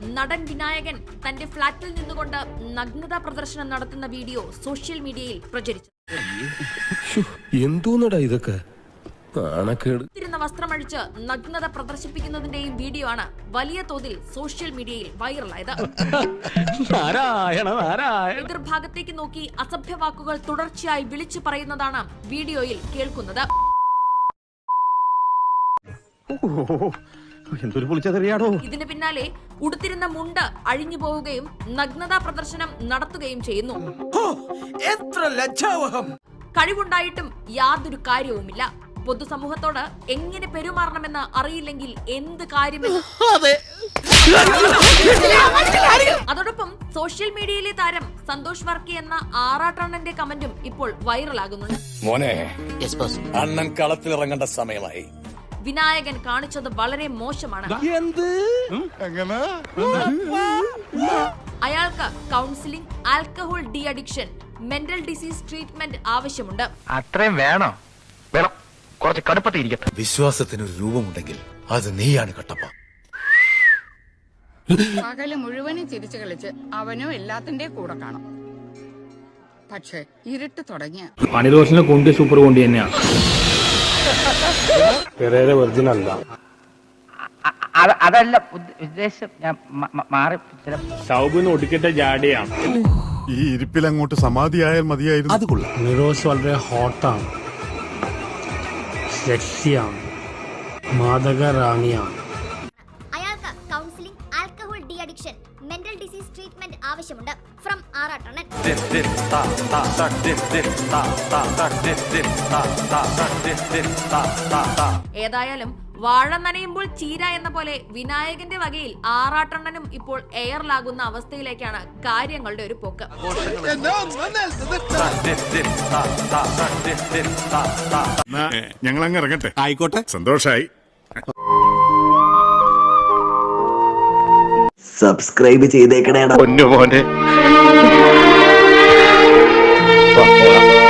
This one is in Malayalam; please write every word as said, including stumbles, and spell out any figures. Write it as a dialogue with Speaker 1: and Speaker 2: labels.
Speaker 1: നടൻ വിനായകൻ തന്റെ ഫ്ളാറ്റിൽ നിന്നുകൊണ്ട് നഗ്നതാ പ്രദർശനം നടത്തുന്ന വീഡിയോ സോഷ്യൽ മീഡിയയിൽ പ്രചരിച്ചു.
Speaker 2: എന്തോന്നടാ ഇതൊക്കെ?
Speaker 1: വസ്ത്രമഴിച്ച് നഗ്നത പ്രദർശിപ്പിക്കുന്നതിന്റെയും വീഡിയോ ആണ് വലിയ തോതിൽ സോഷ്യൽ മീഡിയയിൽ വൈറലായത്. എതിർഭാഗത്തേക്ക് നോക്കി അസഭ്യ വാക്കുകൾ തുടർച്ചയായി വിളിച്ചു പറയുന്നതാണ് വീഡിയോയിൽ കേൾക്കുന്നത്. ഇതിന് പിന്നാലെ ഉടുത്തിരുന്ന മുണ്ട് അഴിഞ്ഞു പോവുകയും നഗ്നതാ പ്രദർശനം നടത്തുകയും ചെയ്യുന്നു. കഴിവുണ്ടായിട്ടും യാതൊരു കാര്യവുമില്ല. പൊതുസമൂഹത്തോട് എങ്ങനെ പെരുമാറണമെന്ന് അറിയില്ലെങ്കിൽ എന്ത് കാര്യമെന്ന്. അതോടൊപ്പം സോഷ്യൽ മീഡിയയിലെ താരം സന്തോഷ് വർക്കി എന്ന ആറാട്ടണ്ണന്റെ കമന്റും ഇപ്പോൾ വൈറലാകുന്നുണ്ട്.
Speaker 3: മോനെ, അണ്ണൻ കളത്തിലിറങ്ങേണ്ട സമയമായി.
Speaker 1: വിനായകൻ കാണിച്ചത് വളരെ മോശമാണ്. അയാൾക്ക് counselling, alcohol de addiction, mental disease treatment ആവശ്യമുണ്ട്.
Speaker 4: അത്രയും വേണോ? വേണം, കുറച്ച് കടുപ്പത്തിരിക്കട്ടെ.
Speaker 5: വിശ്വാസത്തിനൊരു രൂപമുണ്ടെങ്കിൽ അത് നീയാണ് കട്ടപ്പ.
Speaker 6: പകല് മുഴുവനും ചിരിച്ചു കളിച്ച് അവനും എല്ലാത്തിന്റെ കൂടെ കാണും. പക്ഷെ ഇരുട്ട് തുടങ്ങിയ
Speaker 7: പണിദോഷനെ കൊണ്ട് സൂപ്പർ കൊണ്ട് തന്നെയാണ്.
Speaker 4: അതല്ല ഉദ്ദേശം, ഞാൻ മാറി.
Speaker 7: സൗബിന്ന് ഒടുക്കിട്ട ജാടിയാണ്.
Speaker 8: ഈ ഇരിപ്പിൽ അങ്ങോട്ട് സമാധിയായാൽ മതിയായിരുന്നു. അത് കൊള്ളാം.
Speaker 7: നിറോസ് വളരെ ഹോട്ടാണ്, സെക്സിയാണ്, മാദക റാണിയാണ്.
Speaker 9: അയാൾക്ക് counselling, alcohol de addiction, mental disease treatment ആവശ്യമുണ്ട്. ഫ്രം ആറാട്ടണ്ണൻ.
Speaker 1: ഏതായാലും വാഴ നനയുമ്പോൾ ചീര എന്ന പോലെ വിനായകന്റെ വകയിൽ ആറാട്ടണ്ണനും ഇപ്പോൾ എയറിലാകുന്ന അവസ്ഥയിലേക്കാണ് കാര്യങ്ങളുടെ ഒരു പോക്ക്.
Speaker 8: ഞങ്ങൾ അങ്ങ് ഇറങ്ങട്ടെ. ആയിക്കോട്ടെ, സന്തോഷായി.
Speaker 10: സബ്സ്ക്രൈബ് ചെയ്തേക്കണേടാ.
Speaker 4: പൊന്നു മോനെ.